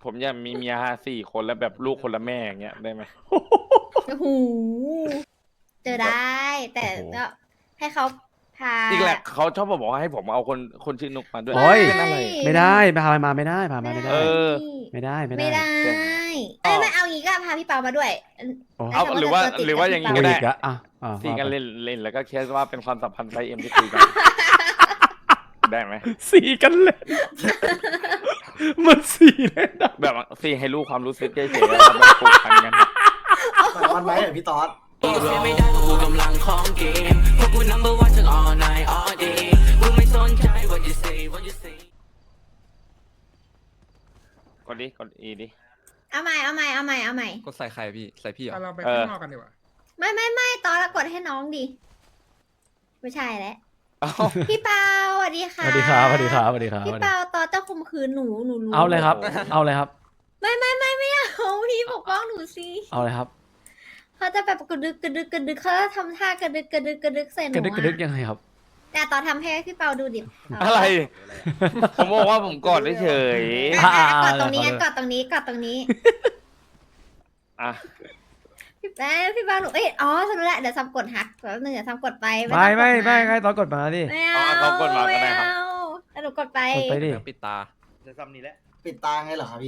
ผมอยากมีเมีย4 คนแล้วแบบลูกคนละแม่อย่างเงี้ยได้ไหมโอ้โหเจอได้ แต่ก็ให้เขาพาอีกแหละเขาชอบมาบอกว่าให้ผมเอาคนชื่อนุกมาด้วยโอ้ยเป็นอะไรไม่ได้พามาไม่ได้พามาไม่ได้เออไม่ได้ไม่ไม่ได้ได้เอ้ยไม่เอางี้ก็พาพี่เปามาด้วยโอ้เอาแต่หรือว่าจะติดหรือว่ากับอย่างงี้พี่ก็เปได้อีกอะซีกันว่าไปเล่นแล้วก็แค่ว่าเป็นความสัมพันธ์ไซเอ็มที่คุยกัน ได้ไหมสีกันเล่นมันสีเล่นอะแบบซีให้ลูกความรู้สึกเฉยๆแล้วแบบผูกพันกันมันไว้เหรอพี่ต๊อดไม่ได้กูกำลังของเกมพวกกู number one ทั้ง all night all day กูไม่สนใจ what you say what you say กดดิเอาใหม่กดใส่ใครพี่ใส่พี่เหรอเราไปข้างนอกกันดีกว่าไม่ตอนละกดให้น้องดิไม่ใช่แล้วเอ้าพี่เปาสวัสดีค่ะสวัสดีครับสวัสดีครับสวัสดีครับพี่เปาตอนจะข่มขืนหนูรู้เอาเลยครับ เอาเลยครับไม่เอาพี่ปกป้องหนูสิเอาเลยครับเขาจะแบบกระดึกเขาจะทำท่ากระดึกใส่หนูกระดึกอะยังไงครับแต่ตอนทำให้พี่เปาดูดิอะไร ผมบอกว่าผมกอดเฉยกดตรงนี้งั้นกดตรงนี้ๆอ่ะพี่เปาหนูอ๋อสรุปแล้วเดี๋ยวซัมกดหักแล้วนึงเดี๋ยวซัมกดไปไม่ใครตอนกดมาดิไม่เอาเขากดมาก็ได้ครับแล้วหนูกดไปกดไปดิปิดตาจะซ้ำนี้แหละ ปิดตาไงเหรอครับพี่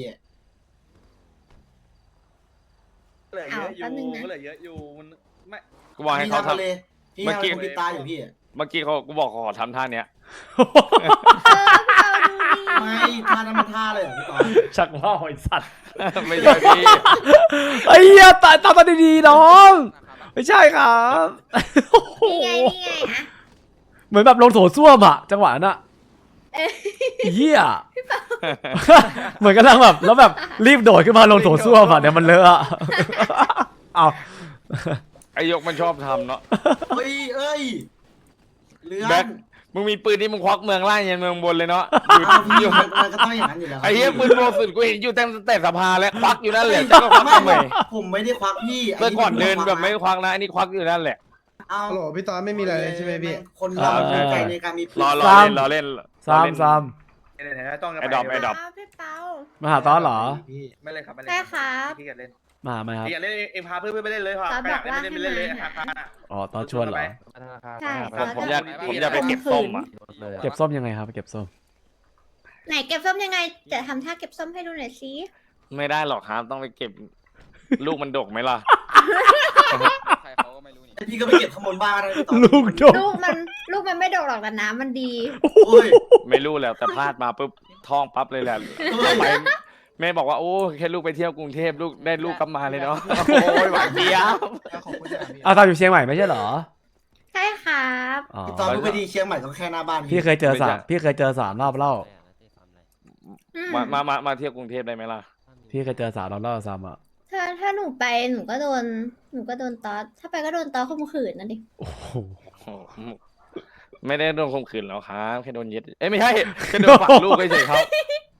เหลือเยอะอยู่เหลือเยอะอยู่มันไม่กูบอกให้เขาทำเลยพี่เมื่อกี้ทำปิดตาอยู่พี่เมื่อกี้กูบอกขอทำท่าเนี้ยพี่เปาดูดิไม่ท่านั้นมันท่าเลยเหรอพี่ต๊อดชักว่าหอยสัตว์ไม่ใช่พี่ไอ้เหี้ยตาดีๆน้อง ไม่ใช่ครับนี่ไงอะเหมือนแบบลงโถส้วมอะจังหวะนั้นอะเหี้ยเหมือนกำลังแบบแล้วแบบรีบโดดขึ้นมาลงโถส้วมอะเดี๋ยวมันเลอะอะเอาไอยกมันชอบทำเนาะเอ้ยเลื่อนแบ็คมึงมีปืนที่มึงควักเมืองล่างยันเมืองบนเลยเนาะเอาพี่มันก็ต้องอย่างนั้นอยู่แล้วไอ้เหี้ยปืนโบสุดกูเห็นอยู่แต่สภาแล้วควักอยู่นั่นแหละจะก็ควักทำไมผมไม่ได้ควักพี่เมื่อก่อนเดินแบบไม่ควักนะอันนี้ควักอยู่นั่นแหละเอาฮัลโหลพี่ตอนไม่มีอะไรเลยใช่ไหมพี่คนเรามีใจในการมีปืนรอเล่นซ้ำต้องไอ้ดอกพี่เปามาหาตอนเหรอไม่เล่นครับไม่เล่นใช่ครับพี่อยากเล่นมาไหมครับอยากเล่นเอ็มพาเพื่อนไปเล่นเลยพอตอนบอกว่าไม่เล่นเลยให้มาหาอ๋อตอนชวนเหรอใช่ผมอยากไปเก็บส้มอ่ะเก็บส้มยังไงครับเก็บส้มไหนเก็บส้มยังไงจะทำท่าเก็บส้มให้ดูหน่อยสิไม่ได้หรอกครับต้องไปเก็บลูกมันดกไหมล่ะใครเขาก็ไม่รู้นี่พี่ก็ไปเก็บข้างบนบ้านนะพี่ต๊อดลูกโดดลูกมันไม่ดกหรอกแต่น้ำมันดีโอ้ยไม่รู้แล้วแต่พลาดมาปุ๊บท้องปั๊บเลยแหละไปแม่บอกว่าโอ้แค่ลูกไปเที่ยวกรุงเทพลูกได้ลูกกลับมาเลยเนาะโอ้ยหวานเจี๊ยบขอบคุณจ้ะพี่เอาตอนอยู่เชียงใหม่ไม่ใช่เหรอใช่ครับอ๋อพี่ต๊อดเพิ่งไปดีเชียงใหม่ก็แค่หน้าบ้านพี่เคยเจอ3 รอบเล่าอืมมาเที่ยวกรุงเทพได้ไหมล่ะพี่เคยเจอ3 รอบเล่าซ้ำอ่ะถ้าหนูไปหนูก็โดนตอสถ้าไปก็โดนตอสข่มขืนนะดิโอ้โหโอ้โหไม่ได้โดนข่มขืนแล้วครับแค่โดนยึดเอ้ยไม่ใช่แค่โดนฝังลูกเฉยๆครับ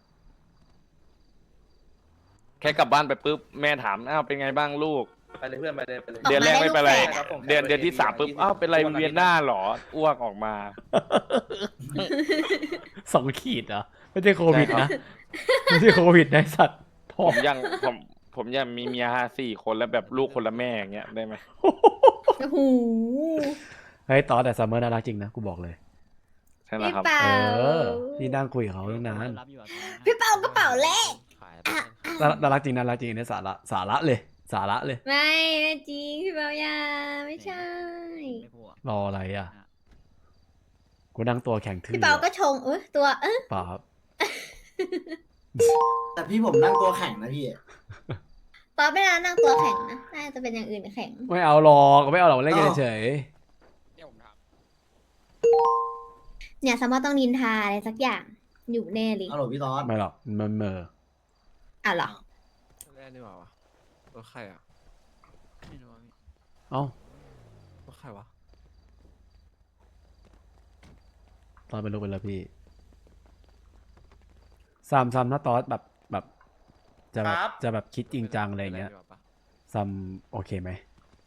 แค่กลับบ้านไปปุ๊บแม่ถามอ้าวเป็นไงบ้างลูกไปเลยเพื่อนไปเลยไปเลยเดือนแรกไม่เป็นไรออกมาได้ลูกแฝดอะเดือนที่ 3ปุ๊บอ้าวเป็นไรเวียนหน้าเหรออ้วกออกมา 2 ขีดเหรอไม่ใช่โควิดนะไม่ใช่โควิดนะไอ้สัตว์พ่อผมยังมีเมีย4 คนแล้วแบบลูกคนละแม่อย่างเงี้ยได้ไหมโอ้โหเฮ้ยตอนแต่ซัมเมอร์น่ารักจริงนะกูบอกเลยใช่ไหมพี่ครับเปาพี่นั่งคุยกับเขาตั้งนานพี่เปากระเป๋าเล็กน่ารักจริงเนี่ยสาระเลยไม่จริงพี่เปายาไม่ใช่รออะไรอ่ะกูนั่งตัวแข็งทื่อพี่เปาก็ชงตัวเปล่าครับแต่พี่ผมนั่งตัวแข็งนะพี่ตอนไม่นานนั่งตัวแข็งนะน่าจะเป็นอย่างอื่นแข็งไม่เอาหรอกเล่นกันเฉยเนี่ยผมถามเนี่ยสมมติต้องนินทาอะไรสักอย่างอยู่แน่เลยฮัลโหลพี่ต๊อดไม่หรอกมันเหมออ่ะเหรอแรกนี่หว่าวะรถใครอ่ะไม่รู้ว่าพี่เอ้ารถใครวะตอนเป็นลูกเป็นแล้วพี่ซัมนะตอนแบบจะแบบคิดจริงจังอะไรอย่างเงี้ยปดีกว่าปะซัมโอเคไหม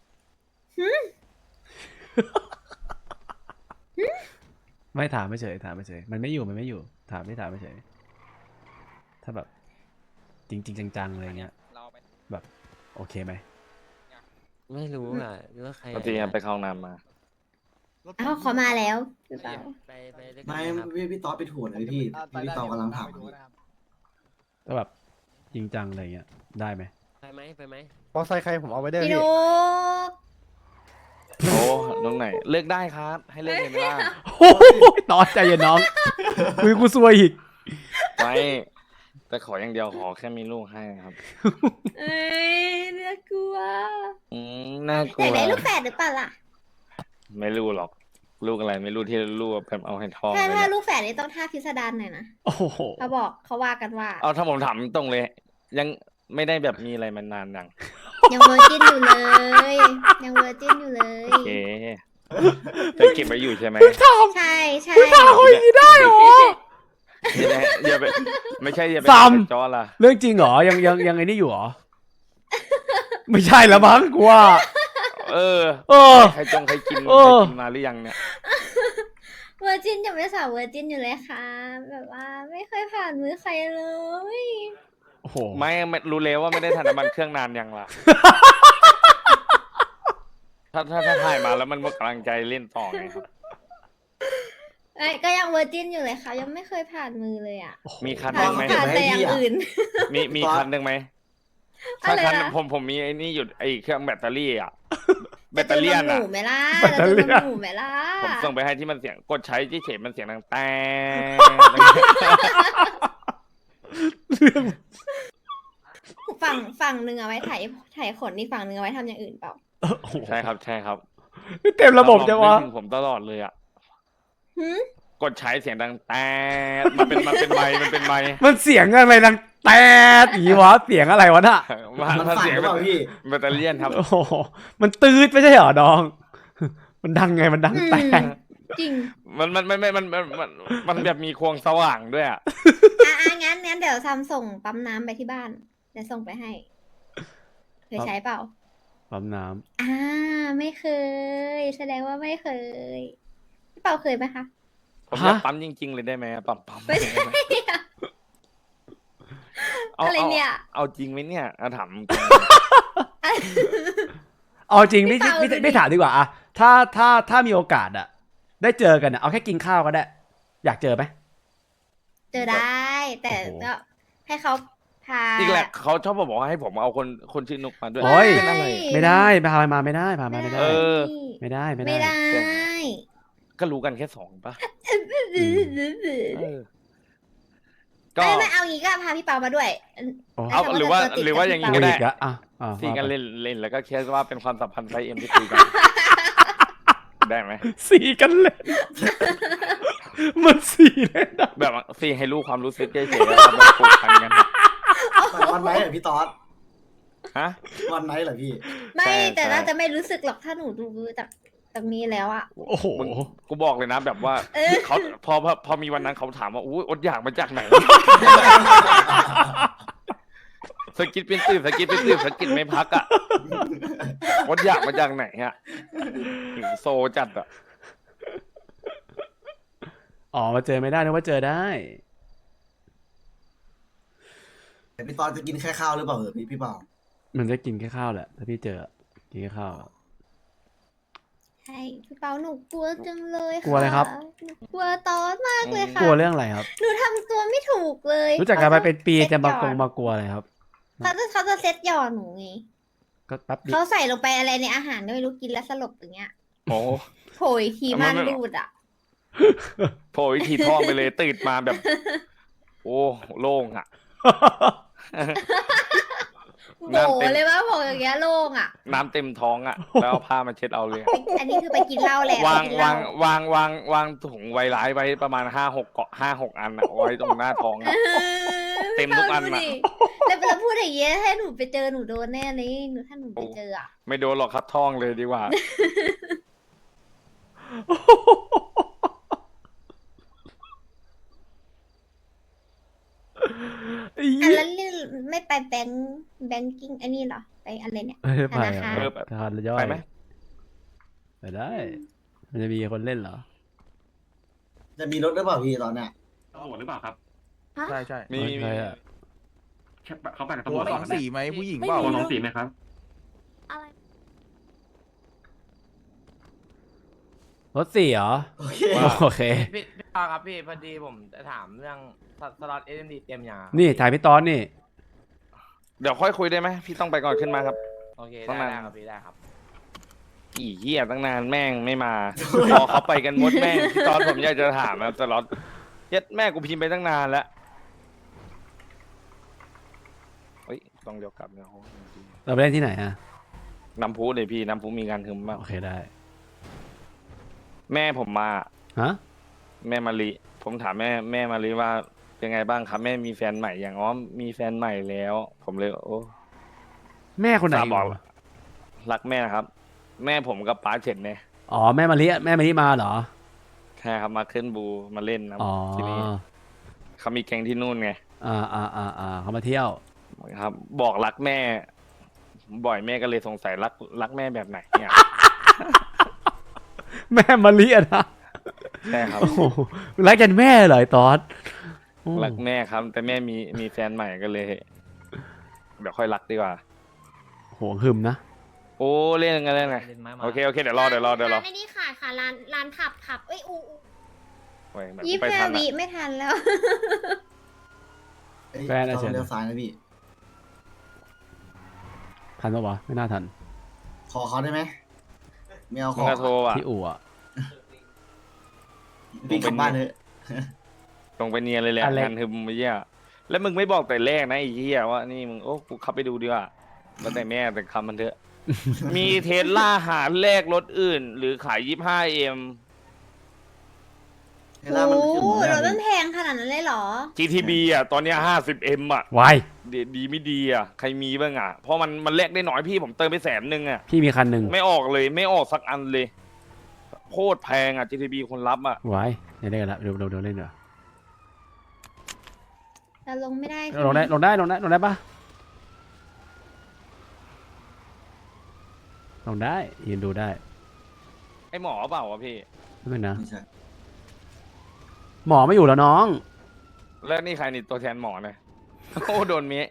ไม่ถามไม่เฉยมันไม่อยู่ถามไม่เฉยถ้าแบบจริงๆจังๆอะไรเงี้ยแบบโอเคไหมไม่รู้อ่ะหรือว่าใครปกติไปเข้าห้องน้ำมาเอ้าเขามาแล้วหรือเปล่าไปด้วยกันไม่นะครับพี่ต๊อดไปถูนเลยพี่ต๊อดกำลังถามพี่ก็แบบจริงจังอะไรเงี้ยได้ไหมไปไหมมอไซค์ใครผมเอาไว้ได้พี่พี่นุกโอ้น้องไหนเลือกได้ครับ ให้เลือกเลยไหมล่ะโอ้ยตอนใจเย็นน้องคุยกูซวยอีกไม่แต่ขออย่างเดียวขอแค่มีลูกให้ครับเอ้ยน่ากลัวน่ากลัอยาว กได้ลูกแฝดหรือเปล่าล่ะไม่รู้หรอก ลูกอะไรไม่รู้ที่ลูกแบบเอาให้ท้องถ้าเลยถ้าเนี่ยลูกแฝดนี่ต้องท่าพิสดารหน่อยนะโอ้โหเขาบอกเขาว่ากันว่าเอาถ้าผมถามตรงเลย ยังไม่ได้แบบมีอะไรมานานยังยังเวอร์จินอยู่เลย ยังเวอร์จินอยู่เลยโอเคจะเก็บไว้อยู่ใช่ไหมใช่ใช่ได้หรออย่าไปไม่ใช่อย่าไปซ้ำจอละเรื่องจริงเหรอยังไอ้นี่อยู่เหรอ ไม่ใช่ละมั้งกูว่าเออเออใครจงใครกินเออใครกินมาหรือยังเนี่ยเวอร์จินยังเป็นสาวเวอร์จินอยู่เลยค่ะ แบบว่าไม่เคยผ่านมือใครเลยโอ้โหไม่รู้เลยว่าไม่ได้ทานน้ำมันเครื่องนานยังล่ะ ถ้าถ่ายมาแล้วมันหมดกำลังใจเล่นต่อไงครับไอ้ก็ยังเวอร์จินอยู่เลยค่ะ ยังไม่เคยผ่านมือเลยอ่ะมีคันหผ่านึ่นงไหมผ่านแต่อย่างอื่นมีคันหนึ่งไหมอะถ้าไรคันนะผมมีไอ้นี่อยู่ไอ้เครื่องแบตเตอรี่อ่ะ แบจะตเตอรี่นมหอ่ะมูไหมล่ะแบตเตอรี่จะนมหมูไหมล่ะผมส่งไปให้ที่มันเสียงกดใช้ที่เฉยมันเสียงดังแต่ฝั่งหนึ่งเอาไว้ถ่ายขนนี่ฝั่งหนึ่งเอาไว้ทำอย่างอื่นเปล่าโอ้โหใช่ครับใช่ครับเต็มระบบจังวะนึกถึงผมตลอดเลยอ่ะหืมกดใช้เสียงดังแต่มันเป็นไมค์มันเป็นไมค์มันเสียงอะไรดังแตดอย่างงี้วะเสียงอะไรวะน่ะมันถ้าฝันเสียงหรือเปล่าพี่แบตเตอรี่ครับโอ้โหมันตืดไม่ใช่เหรอน้อง มันดังไงมันดังแตดจริงมันแบบมีควงสว่างด้วยอ่ะงั้นเดี๋ยวซัมส่งปั๊มน้ำไปที่บ้านเดี๋ยวส่งไปให้ เคยใช้เปล่าปั๊มน้ไม่เคย แสดงว่าไม่เคย พี่เปาเคยไหมคะผมอยากปั๊มจริงๆเลยได้ไหมปั๊มไม่ใช่อะไรเนี่ยเอาจริงไหมเนี่ยเอาถามจริงำเอาจริงไม่พี่เปาดูดิไม่ถามดีกว่าอะถ้ามีโอกาสอะได้เจอกันอะเอาแค่กินข้าวก็ได้ อยากเจอไหมเจอได้ แต่โอ้โหก็ให้เขาพาอีกแหละเขาชอบบอกว่าให้ผมเอาคนชื่อนุกมาด้วยโอ้ยเป็นอะไรไม่ได้พามาไม่ได้พามาไม่ได้เออไม่ได้ไม่ไม่ได้ได้ก็รู้กันแค่2ป่ะเออก็ไม่เอางี้ก็พาพี่เปามาด้วยโอ้เอาหรือว่าอย่างนี้อีก็ได้กอะอ่ะซีกันเล่นแล้วก็แค่ว่าเป็นความสัมพันธ์ไซเอ็มที่คุยกันได้ไหมสีกันเลย มันสีเลยนะแบบซีให้รู้ความรู้สึกเฉยๆแล้วแบบผูกพันกันอะวันไหนเหรอพี่ต๊อดฮะวันไหนเหรอพี่ไม่ใช่แต่ใช่เราจะไม่รู้สึกหรอกถ้าหนูดูจากนี้แล้วอะโอ้โหมึงกูบอกเลยนะแบบว่าเออเขาพอมีวันนั้นเขาถามว่าอุ้ยอดอยากมาจากไหน สกิดเป็นตื่นสกิดไม่พักอ่ะอดอยากมาจากไหนอ่ะหิวโซจัดอ่ะอ๋อมาเจอไม่ได้นึกว่าเจอได้แต่พี่ต๊อดจะกินแค่ข้าวหรือเปล่าพี่เปามันจะกินแค่ข้าวแหละถ้าพี่เจอกินแค่ข้าวใช่พี่เปาหนูกลัวจังเลยค่ะกลัวอะไรครับหนูกลัวตอนมากเลยค่ะกลัวเรื่องอะไรครับหนูทำตัวไม่ถูกเลยรู้จักกันมาเป็นปีเซ็ตจะมาหยกอดมากลัวอะไรครับเขาจะเซ็ตหยอดหนูไงก็แป๊บเดียวเขาใส่ลงไปอะไรในอาหารก็ไม่รู้กินแล้วสลบอย่างเงี้ยโอ้โผล่อีกทีมันรูดอ่ะโผล่วิธีท้องไปเลยตื่นมาแบบ โอ้โล่งอ่ะโบเลยว่าโผล่อย่างเงี้ยโล่งอ่ะน้ำเต็มท้องอ่ะ แล้วเอาผ้ามาเช็ดเอาเลยอันนี้คือไปกินเหล้าแหละวางไปกินเหล้วางถุงไวร้ายไว้ประมาณ5-6 อันอะไว้ตรงหน้าท้องอะ เต็มทุกอันพี่อะเปาดูดิแล้วพูดอย่างเงี้ยให้หนูไปเจอหนูโดนแน่เลยถ้าหนูไปเจออ่ะไม่โดนหรอกครับท้องเลยดีกว่าไอ้อ่ะเหี้ยแล้วนี่ไม่ไปแบงกิ้งอันนี้เหรอไปอะไรเนี่ยไม่ได้ไปธนาคารอะทานย่อยไปไหมไปได้ มันจะมีคนเล่นเหรอจะมีรถหรือเปล่าพี่ตอนเนี้ยตำรวจหรือเปล่าครับใช่ใช่มีใครอะเขาไปกับตัตำรววจสองสีไหมผู้หญิงว่าเปล่าตัวสองสีไหมครับอะไรรถสี่เหรอโอเคโอเคพี่ปาครับพี่พอดีผมจะถามเรื่องสล็อตเอ็มดีเต็มยังอะครับนี่ถ่ายพี่ตอนนี่เดี๋ยวค่อยคุยได้ไหมพี่ต้องไปก่อนขึ้นมาครับโอเคประได้มาณได้ครับพี่ได้ครับอีเหี้ยตั้งนานแม่งไม่มา พอเขาไปกันหมดแม่งพี่ตอนผมอยากจะถามนะตลอดเย็ดแม่กูพิมพ์ไปตั้งนานแล้วเฮ้ยต้องเดี๋ยวกลับเนี่ยโอ้โหเราไปเล่นที่ไหนอะน้ำพุเลยพี่น้ำพุมีงานทึมมากโอเคได้แม่ผมมาฮะแม่มารีผมถามแม่มารีว่าเป็นไงบ้างครับแม่มีแฟนใหม่อย่างอ๋อมีแฟนใหม่แล้ว ผมเลยโอ้แม่คนไหนฝากอยู่บอกรักแม่นะครับ แม่ผมกับป้าเฉินเนี่ยอ๋อแม่มาลิมาเหรอใช่ครับมาขึ้นบูมาเล่นนะอ๋อทีนี้เขามีแก๊งที่นู่นไงเขามาเที่ยวครับ บอกรักแม่ บ่อยแม่ก็เลยสงสัยรักแม่แบบไหนเนี่ยแม่มาลิอะนะใช่ครับโอ้โหรักกันแม่เหรอไอ้ตอดโอ้รักแม่ครับ แต่แม่มีแฟนใหม่ก็เลย เดี๋ยวค่อยรักดีกว่าโหหึมนะโอ้เล่นกันเล่นไงเล่นไม้มาโอเคเดี๋ยวรอร้านไอ้นี่ค่ะค่ะร้านผับเอ้ยอูโอ้ยแบบยี่สิบไปห้าทันวิอะไม่ทันแล้วแฟนอะเชิญเลี้ยวซ้ายนะพี่ทันปะวะไม่น่าทันขอเขาได้ไหมไม่เอาขมึองก็โทรอ่ะที่อู่อะพี่กลับบ้านเถอะตรงไปเนียนเลยแหละอะไรงานทึมไอ้เหี้ยแล้วมึงไม่บอกแต่แรกนะไอ้เหี้ยว่านี่มึงโอ้กูเข้าไปดูดีกว่าแล้วแต่แม่แต่คำมันเถอะ มีเทสลาหาแลกรถอื่น หรือขาย 25M เวลามันโอ้ขึ้นโหหมดรแล้วถมันแพงขนาดนั้นเลยเหรอ GTB อ่ะตอนเนี้ย 50M อ่ะวายดีไม่ดีอ่ะใครมีบ้างอ่ะเพราะมันแลกได้น้อยพี่ผมเติมไป100,000อ่ะพี่มีคันหนึ่งไม่ออกเลยไม่ออกสักอันเลยโคตรแพงอ่ะ GTB คนรับอ่ะวายเนี่ยได้กันละเดี๋ยวเล่นเดี๋ยวเราลงไม่ได้ใช่ลงไหมได้ปะลงได้ยืนดูได้ไอหมอเปล่าวะพี่ไม่เป็นนะไม่ใช่หมอไม่อยู่แล้วน้องแล้วนี่ใครนี่ตัวแทนหมอเนี่ย โอ้โดนเมะ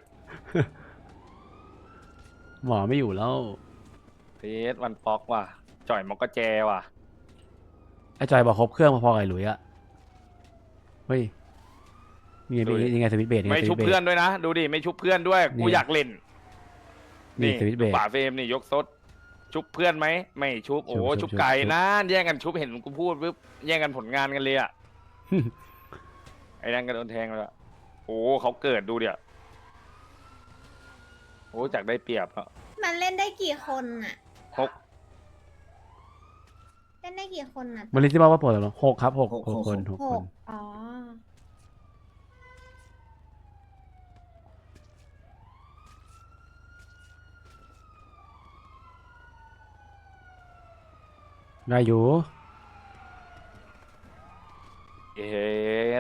หมอไม่อยู่แล้วเทสวันป๊อกว่ะจ่อยมอกกะแจว่ะไอ้จอยบอกครบเครื่องพอๆกับไอ้หลุยอะเฮ้ยมียังไงสวิตช์เบรดยังไงไม่สชุวิบตช์เบรเพื่อดนด้วยนะ ดูดิไม่ชุบเพื่อนด้วยนี่กูอยากเล่นนี่สวิตช์เบรดป่าเฟรมนี่ยกซดชุบเพื่อนไหมไม่ชุบโอ้ชุบชุบชุบไก่ชุบนะแย่งกันชุบเห็นกูพูดปุ๊บแย่งกันผลงานกันเลยอ่ะ ไอ้นั่นก็โดนแทงแล้วโอ้เขาเกิดดูเดี๋ยวโอ้จากได้เปรียบอ่ะมันเล่นได้กี่คนอ่ะหกเล่นได้กี่คนอ่ะมาลิที่บอกว่าปวดหรอ6 ครับ6 คนห 6 คนกอ๋อได้อยู่เอ็ด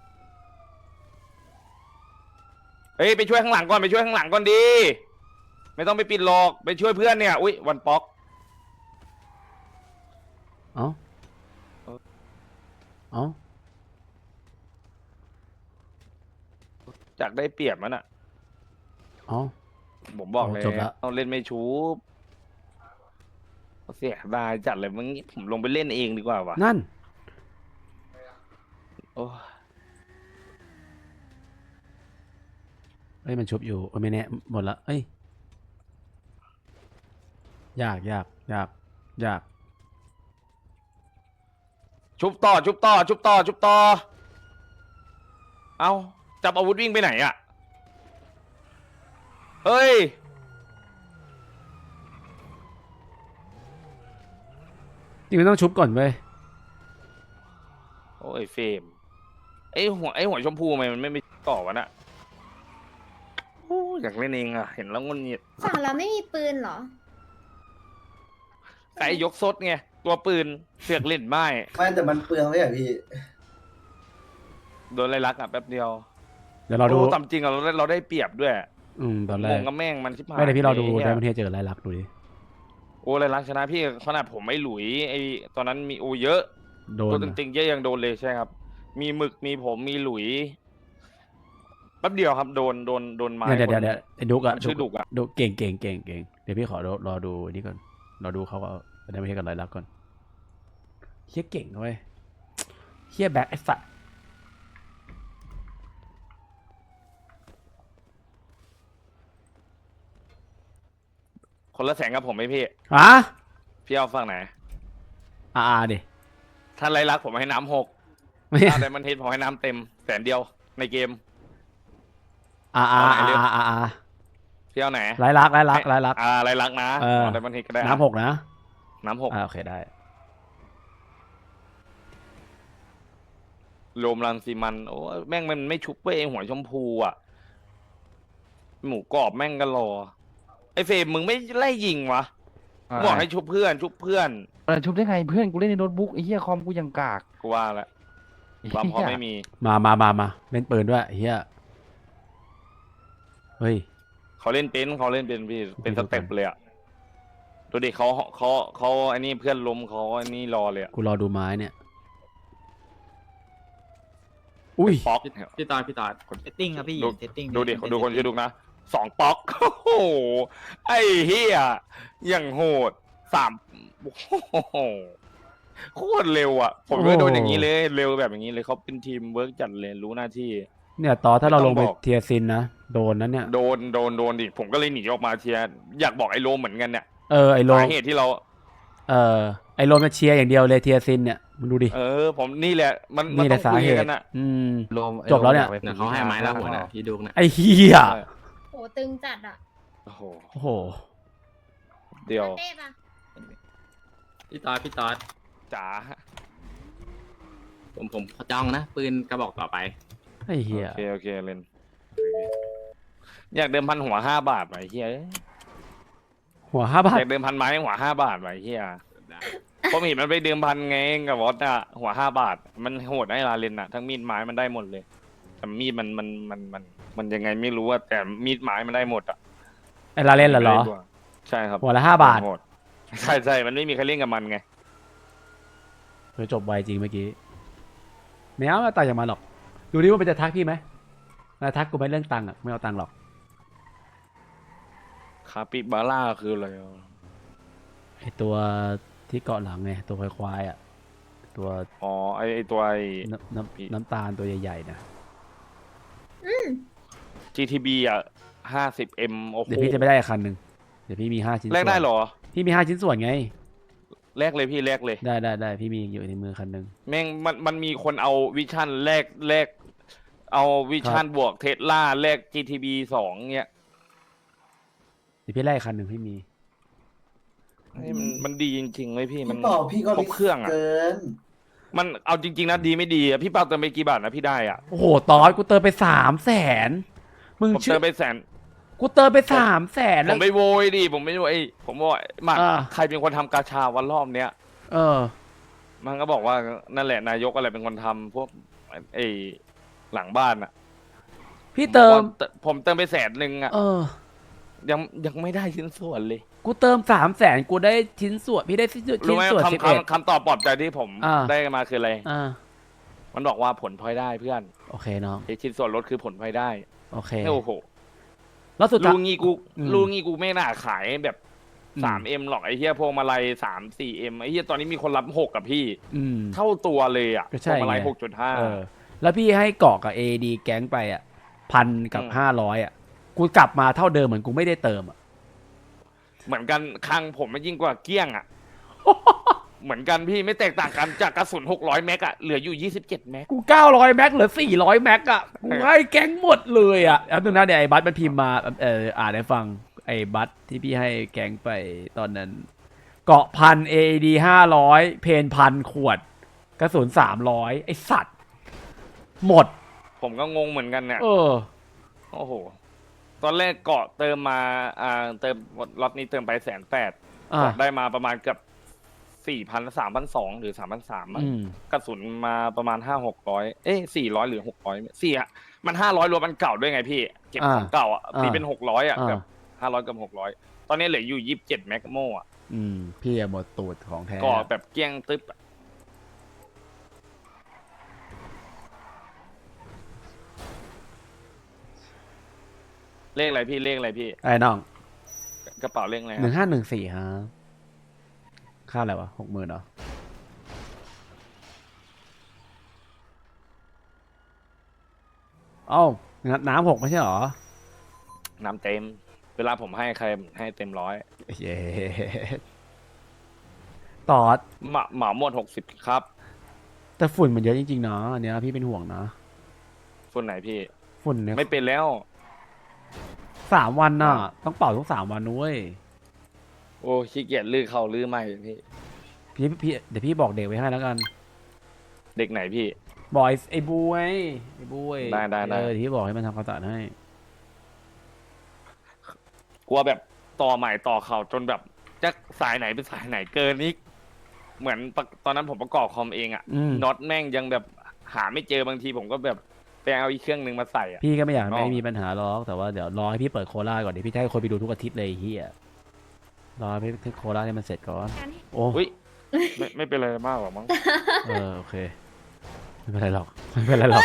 เฮ้ยไปช่วยข้างหลังก่อนไปช่วยข้างหลังก่อนดีไม่ต้องไปปิดหลอกไปช่วยเพื่อนเนี่ยอุ้ยวันป๊อกเอ้าเอ้าจากได้เปรียบมันอ่ะเอ้าผมบอกเลยจบละต้องเล่นไม่ชูบเสียดายจัดเลยมึงผมลงไปเล่นเองดีกว่าวะนั่นโอ้เอ้ยมันชุบอยู่โอ้ยไม่แน่หมดละเอ้ยยากชุบต่อเอาจับอาวุธวิ่งไปไหนอ่ะเฮ้ยจริงๆต้องชุบก่อนเว้ยโอ้ยเฟรมไอหัวชมพูทำไมมันไม่ต่อวะน่ะโอ้อยากเล่นเองอ่ะเห็นแล้วงุนงิดฝั่งเราไม่มีปืนเหรอไก่ยกซดไงตัวปืนเสือกเล่นไม้ไม่แต่มันเปลืองเลยอ่ะพี่โดนไล่ลักอ่ะแป๊บเดียวเดี๋ยวเราดูโอ้ตามจริงอ่ะเราได้เปรียบด้วยตอนแรงกงกับแม่งมันชิบหายไม่ได้พี่เราดูไอ้ได้เหี้ยประเทศเจอไรลักดูดิโอ้ไล่ลักชนะพี่ขนาดผมไม่หลุยไอตอนนั้นมีโอเยอะโดนตัวจอะริงๆเยอะยังโดนเลยใช่ครับ มีหมึกมีผมมีหลุยแป๊บเดียวครับโดนไม้เดี๋ยวคนไอ้ดุกอะชื่อดุกอะดุกเก่งเดี๋ยวพี่ขอรอดูนี่ก่อนรอดูเขาก็ได้ไม่ใช่กันไรลักษณ์ก่อนเฮียเก่งเว้ยเฮียแบ็คไอ้สัตว์คนละแสนกับผมไหมพี่ฮะพี่เอาฝั่งไหนดิถ้าไรลักผมให้น้ำ6 ไม่ถ้าไดมันเฮดผมให้น้ำเต็ม100,000ในเกม พี่เอาไหนไรลักษณ์ไรลักนะเออไดมันเฮดก็ได้น้ำหกนะน้ำโอเคได้โรมรันซีมันโอ้แม่งมันไม่ชุบเว้ยไอ้หัวชมพูอ่ะหมูกรอบแม่งก็รอไอ้เฟรมมึงไม่ไล่ยิงวะบอกให้ชุบเพื่อนชุบชุบได้ไงเพื่อนกูเล่นในโน้ตบุ๊กไอ้เหี้ยคอมกูยังกากกูว่าแล้วความพอไม่มีมาเล่นปืนด้วยเฮียเฮ้ยเขาเล่นเป็นพี่เป็นสเต็ปเลยอ่ะดูดิเขาไอ้นี่เพื่อนล้มเขาไอ้นี่รอเลยอ่ะกูรอดูไม้เนี่ยอุ้ยป๊อกพี่ตอดเซตติ้งครับพี่ เซตติ้งดูดิดูคนชื่อดุกนะ2ป๊อกโอ้โหไอ้เฮียอย่างโหด3โอ้โหโคตรเร็วอ่ะผมก็โดนอย่างนี้เลยเร็วแบบอย่างนี้เลยเขาเป็นทีมเวิร์กจัดเลยรู้หน้าที่เนี่ยต่อถ้าเราลงไปไม่ต้องบอกเทียร์ซินนะโดนนั้นเนี่ยโดนดิผมก็เลยหนีออกมาเชียร์อยากบอกไอ้โรมเหมือนกันเนี่ยไอโลสาเหตุที่เราไอโลมาเชียร์อย่างเดียวเลยเทียร์ซินเนี่ยมึงดูดิผมนี่แหละมันนี่แหต้ละองสาคุยเหตุกันนะโลมจบแล้วเนี่ยเขาให้ไม้แล้วหัวนะพี่ดุกนะไอเฮียโหตึงจัดอ่ะโอ้โหโอ้โหเดี๋ยวเต้ปะพี่ตอดจ๋าผมจ้องนะ ปืนกระบอกต่อไปไอเฮียโอเคเล่นอยากเดิมพันหัว5 บาทไหมเฮียหัว5 บาทอยากเดิมพันไม้หัว5 บาทไหมเฮียผมเห็นมันไปเดิมพันไงกับวอตอะหัว5 บาทมันโหดไอ้ลาเลนอะทั้งมีดไม้มันได้หมดเลยแต่มีดมันยังไงไม่รู้อะแต่มีดไม้มันได้หมดอะไอลาเล่นเหรอใช่ครับหัวละ5 บาทโหดใช่มันไม่มีใครเล่นกับมันไงจบไวจริงเมื่อกี้ไม่เอาตังค์จากมันหรอกดูดิว่ามันจะทักพี่ไหมนะทักกูไปเรื่องตังค์อ่ะไม่เอาตังค์หรอกคาปิบาร่าคืออะไรไอตัวที่เกาะหลังไงตัวควายๆอ่ะตัวอ๋อไอตัวน้ำตาลตัวใหญ่ๆนะ GTB อ่ะ50M โอ้โหเดี๋ยวพี่จะไม่ได้คันหนึ่งเดี๋ยวพี่มี5 ชิ้นส่วนแลกได้เหรอพี่มี5 ชิ้นส่วนไงแลกเลยพี่แลกเลยได้พี่มีอยู่ในมือคันหนึ่งแม่งมันมีคนเอาวิชั่นแลกเอาวิชั่นบวกเทสลาแลก GTB 2เนี่ยเดี๋ยวพี่ไล่คันหนึ่งพี่มีนี่มันดีจริงๆเลยพี่มันพี่เป่าพี่ก็ครบเครื่องอ่ะเกินมันเอาจริงๆนะดีไม่ดีอ่ะพี่เปาเติมไปกี่บาทนะพี่ได้อ่ะโอ้โหตอนกูเติมไป300,000มึงผมเชื่เติอมไป100,000 กูเติมไป300,000 ผแล้วมไม่โวยดิผมไม่โวยผมบอกหมักอ่าใครเป็นคนทำกาชาวันรอบเนี้ย มันก็บอกว่านั่นแหละนายกอะไรเป็นคนทำพวกไอ้หลังบ้านอ่ะพี่เติมผมเติมไป100,000อ่ะยังไม่ได้ชิ้นส่วนเลยกูเติม300,000กูได้ชิ้นส่วนพี่ได้ชิ้นรู้ไหมส่วนคำตอบปลอบใจที่ผมอ่าได้มาคืออะไร 11 มันบอกว่าผลพลอยได้เพื่อนโอเคน้องไอ้ชิ้นส่วนลดคือผลพลอยได้โอเคโอ้โหแล้วสุดท้าลูยงี้กูอืมลูงี้กูไม่น่าขายแบบอืม 3M หรอกไอ้เหี้ยพวงมาลัย3-4M ไอ้เหี้ยตอนนี้มีคนรับ6กับพี่ เท่าตัวเลยอ่ะก็พใช่วงมาลัยไง 6.5 แล้วพี่ให้เกาะกับ AD แก๊งไปอ่ะ1,000 กับ 500อ่ะกูกลับมาเท่าเดิมเหมือนกูไม่ได้เติมอ่ะเหมือนกันคังผมมันยิ่งกว่าเกี้ยงอ่ะ เหมือนกันพี่ไม่แตกต่างกันจากกระสุน600 แม็กอะเหลืออยู่27 แม็กกู900 แม็กเหลือ400 แม็กอ่ะกูให้แก๊งหมดเลยอ่ะแล้วตรงนั้นเนี่ยไอ้บัสมันพิมพ์มาอ่านให้ฟังไอ้บัสที่พี่ให้แก๊งไปตอนนั้นเกาะ1,000 AD 500เพน1,000 ขวดกระสุน300ไอ้สัตว์หมดผมก็งงเหมือนกันเนี่ย โอ้โห ตอนแรกเกาะเติมมาเติมล็อตนี้เติมไป180,000เกาะได้มาประมาณเกือบ4,000 3,200 หรือ 3,300มั้งกระสุนมาประมาณ500-600 400 หรือ600อ่ะมัน500รวมมันเก่าด้วยไงพี่เก็บของเก่าอ่ะตีเป็น600อ่ะเกือบ500กับ600ตอนนี้เหลืออยู่27 แม็กโมอ่ะพี่หมดตูดของแท้เกาะแบบเกี้ยงตึ๊บเลขอะไรพี่เลขอะไรพี่ไอ้น้องกระเป๋าเลขอะไรหคนึ่รับงห้าหนึ่งสี่ฮะค่าอะไรวะ60,000เหรอเอ้าน้ำ6ไม่ใช่เหรอน้ำเต็ม เวลาผมให้ใครให้เต็มร้อยเย้ตอดเหมาหมด60ครับแต่ฝุ่นมันเยอะจริงๆนะอันเนี้ยพี่เป็นห่วงนะคนไหนพี่ฝุ่นเนี่ยไม่เป็นแล้ว 3 วันน่ะ ต้องเป่าทุก3 วันด้วยโอ้ขี้เกียจลื้อเขาลื้อใหม่พี่พี่เดี๋ยวพี่บอกเด็กไว้ให้แล้วกันเด็กไหนพี่บอกไอ้บูไอ้บูไอ้ได้เดี๋ยวพี่บอกให้มันทำความสะอาดให้กลัวแบบต่อใหม่ต่อเขาจนแบบจะสายไหนเป็นสายไหนเกินนี้เหมือนตอนนั้นผมประกอบคอมเองอะอืมน็อตแม่งยังแบบหาไม่เจอบางทีผมก็แบบไปเอาอีกเครื่องหนึ่งมาใส่อะพี่ก็ไม่อยากอ๋อไม่มีปัญหาหรอกแต่ว่าเดี๋ยวรอให้พี่เปิดโคราชก่อนเดี๋ยวพี่จะให้คนไปดูทุกอาทิตย์เลยไอ้เฮียรอให้พี่โคราชให้มันเสร็จก่อนการให้โอ้อุ้ยไม่เป็นไรมากหรอกมั้งโอเคไม่เป็นไรหรอกไม่เป็นไรหรอก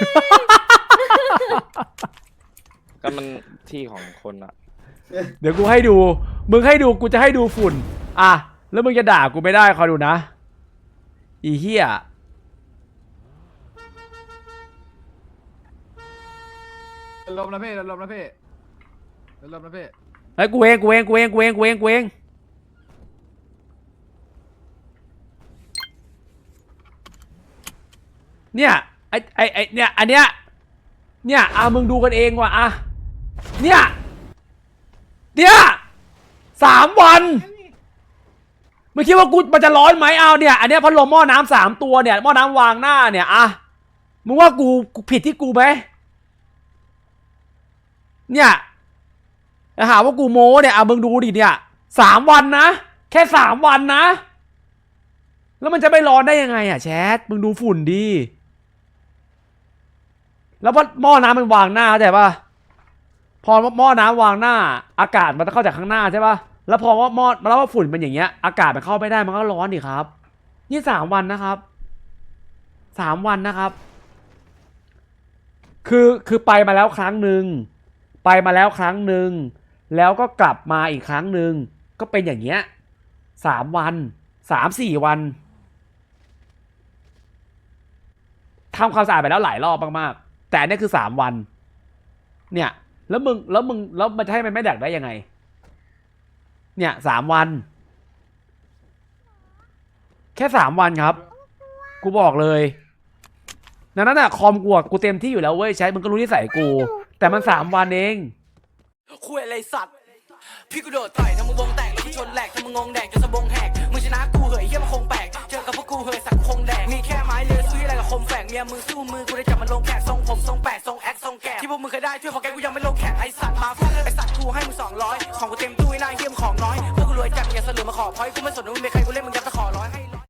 ก็มันที่ของคนอะเดี๋ยวกูให้ดูมึงให้ดูกูจะให้ดูฝุ่นอ่ะแล้วมึงจะด่ากูไม่ได้คอยดูนะอีเฮียลมนะพี่ลมนะพี่ลมนะพี่ไอ้ยกูเองเนี่ยไอ้เนี่ยอันเนี้ยเนี่ยมึงดูกันเองว่ะเนี่ย3 วันมึงคิดว่ากูมันจะร้อนไหมเนี่ยอันเนี้ยพัดลมหม้อน้ำ3 ตัวเนี่ยหม้อน้ำวางหน้าเนี่ยมึงว่ากูผิดที่กูไหมเนี่ยหาว่ากูโม้เนี่ยมึงดูดิเนี่ย3 วันนะแค่3 วันนะแล้วมันจะไม่ร้อนได้ยังไงแชทมึงดูฝุ่นดีแล้วหม้อน้ำมันวางหน้าเข้าใจป่ะพอหม้อน้ำวางหน้าอากาศมันจะเข้าจากข้างหน้าใช่ป่ะแล้วพอว่าฝุ่นเป็นอย่างเงี้ยอากาศมันเข้าไม่ได้มันก็ร้อนดิครับนี่3 วันนะครับ3 วันนะครับคือไปมาแล้วครั้งหนึ่งแล้วก็กลับมาอีกครั้งหนึ่งก็เป็นอย่างเงี้ย3 วัน3-4 วันทำความสะอาดไปแล้วหลายรอบมากๆแต่อันนี้คือ3 วันเนี่ยแล้วมันจะให้มันไม่ดักได้ยังไงเนี่ย3 วันแค่3 วันครับกูบอกเลยดังนั้นคอมกูเต็มที่อยู่แล้วเว้ยใช้มึงก็รู้นิสัยกูแต่มัน3 วันเองคุยอะไรสัตว์พี่กูโดดต่อยทำมึงวงแตกแล้วกูชนแหลกทำมึงงงแดกจนสะบงแหกมึงชนะกูเหยเหี้ยมันคงแปลกเจอกับพวกกูเหยสักคงแดกมีแค่ไม้เลือสู้อะไรกับคมแฝกเมียมึงสู้มือกูได้จับมันลงแขกทรงผมทรงแปดทรงแอคทรงแกะที่พวกมึงเคยได้ช่วยพอแกกูยังไม่ลงแขกไอสัตว์มาฟังไอสัตว์กูให้มึง200ของกูเต็มตู้ไอ้นายเหี้ยมของน้อยพวกกูรวยจัดอย่าเสลือมาขอพอยกูไม่สนว่ามึงเป็นใครกูเล่นมึง